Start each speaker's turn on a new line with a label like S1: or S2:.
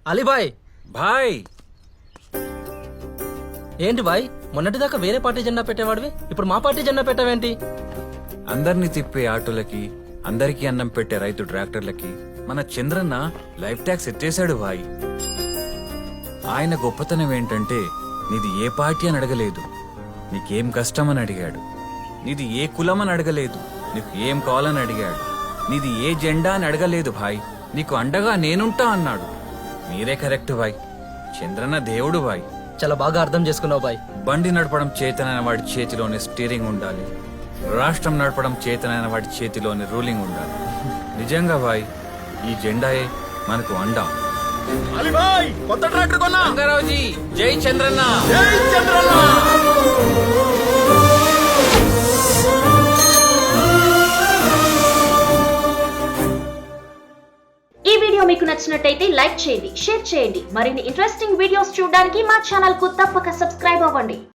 S1: అలీబాయ్
S2: భాయ్
S1: ఏంటి బాయ్ మొన్నటిదాకా వేరే పార్టీ జెండా పెట్టేవాడివి ఇప్పుడు మా పార్టీ జెండా పెట్టావేంటి?
S2: అందరినీ తిప్పే ఆటోలకి అందరికీ అన్నం పెట్టే రైతు ట్రాక్టర్లకి మన చంద్రన్న లైఫ్ ట్యాక్స్ ఎత్తేసాడు భాయ్. ఆయన గొప్పతనం ఏంటంటే నీది ఏ పార్టీ అని అడగలేదు, నీకేం కష్టం అని అడిగాడు. నీది ఏ కులం అని అడగలేదు, నీకు ఏం కావాలని అడిగాడు. నీది ఏ జెండా అని అడగలేదు భాయ్, నీకు అండగా నేనుంటా అన్నాడు. మీరే కరెక్ట్ భాయ్, చంద్రన్న దేవుడు భాయ్.
S1: చాలా బాగా అర్థం చేసుకున్నావు బాయ్.
S2: బండి నడపడం చేతనైన వాడి చేతిలోనే స్టీరింగ్ ఉండాలి, రాష్ట్రం నడపడం చేతనైన వాడి చేతిలోనే రూలింగ్ ఉండాలి. నిజంగా భాయ్ ఈ జెండాయే మనకు అండా.
S3: కొత్త ట్రాక్టర్ కొన్నా
S2: రంగారావుజీ జై చంద్రన్న.
S3: జై చంద్రన్న.
S4: ఈ వీడియో మీకు నచ్చినట్టయితే లైక్ చేయండి, షేర్ చేయండి. మరిన్ని ఇంట్రెస్టింగ్ వీడియోస్ చూడడానికి మా ఛానల్ కు తప్పక సబ్స్క్రైబ్ అవ్వండి.